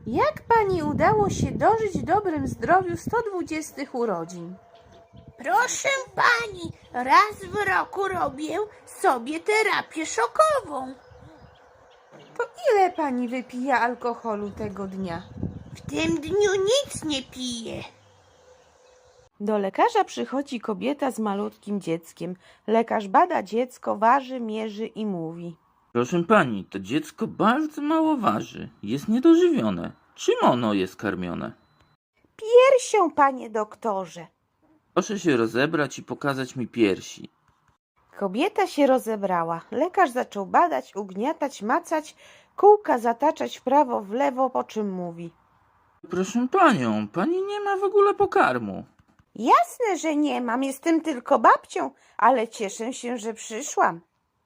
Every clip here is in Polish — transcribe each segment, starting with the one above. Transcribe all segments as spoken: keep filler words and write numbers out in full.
Jak pani udało się dożyć w dobrym zdrowiu sto dwudziestych urodzin? Proszę pani, raz w roku robię sobie terapię szokową. To ile pani wypija alkoholu tego dnia? W tym dniu nic nie piję. Do lekarza przychodzi kobieta z malutkim dzieckiem. Lekarz bada dziecko, waży, mierzy i mówi: Proszę pani, to dziecko bardzo mało waży. Jest niedożywione. Czym ono jest karmione? piersią, panie doktorze. Proszę się rozebrać i pokazać mi piersi. Kobieta się rozebrała. Lekarz zaczął badać, ugniatać, macać, kółka zataczać w prawo, w lewo, po czym mówi: Proszę panią, pani nie ma w ogóle pokarmu. Jasne, że nie mam, jestem tylko babcią, ale cieszę się, że przyszłam.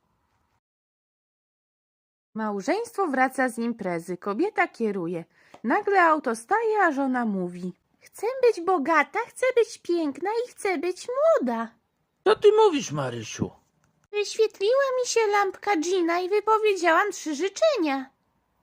Małżeństwo wraca z imprezy. Kobieta kieruje. Nagle auto staje, a żona mówi: chcę być bogata, chcę być piękna i chcę być młoda. Co ty mówisz, Marysiu? Wyświetliła mi się lampka dżina i wypowiedziałam trzy życzenia.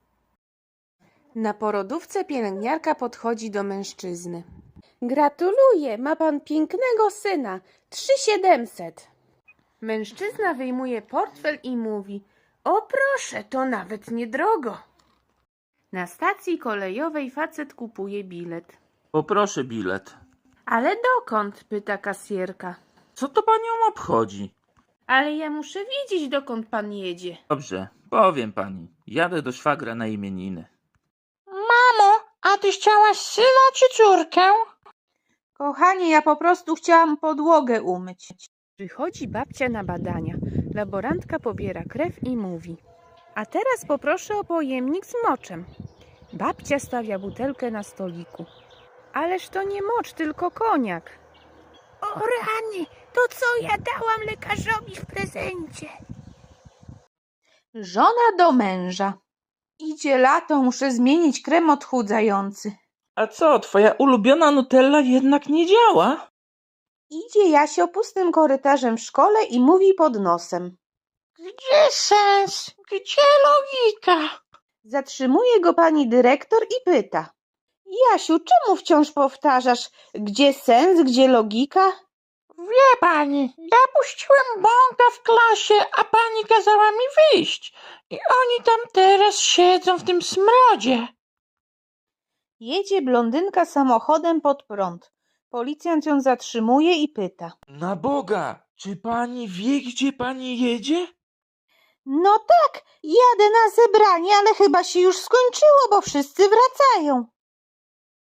Na porodówce pielęgniarka podchodzi do mężczyzny. Gratuluję, ma pan pięknego syna. Trzy siedemset. Mężczyzna wyjmuje portfel i mówi: o proszę, to nawet niedrogo. Na stacji kolejowej facet kupuje bilet. Poproszę bilet. Ale dokąd? Pyta kasjerka. Co to panią obchodzi? Ale ja muszę wiedzieć, dokąd pan jedzie. Dobrze, powiem pani. Jadę do szwagra na imieniny. Mamo, a ty chciałaś syna czy córkę? Kochanie, ja po prostu chciałam podłogę umyć. Przychodzi babcia na badania. Laborantka pobiera krew i mówi: a teraz poproszę o pojemnik z moczem. Babcia stawia butelkę na stoliku. Ależ to nie mocz, tylko koniak. O rany, to co ja dałam lekarzowi w prezencie? Żona do męża. Idzie lato, muszę zmienić krem odchudzający. A co, twoja ulubiona Nutella jednak nie działa? Idzie Jasio pustym korytarzem w szkole i mówi pod nosem. Gdzie sens? Gdzie logika? Zatrzymuje go pani dyrektor i pyta: Jasiu, czemu wciąż powtarzasz, gdzie sens, gdzie logika? Wie pani, ja puściłem bąka w klasie, a pani kazała mi wyjść. I oni tam teraz siedzą w tym smrodzie. Jedzie blondynka samochodem pod prąd. Policjant ją zatrzymuje i pyta: Na Boga, czy pani wie, gdzie pani jedzie? no tak, jadę na zebranie, ale chyba się już skończyło, bo wszyscy wracają.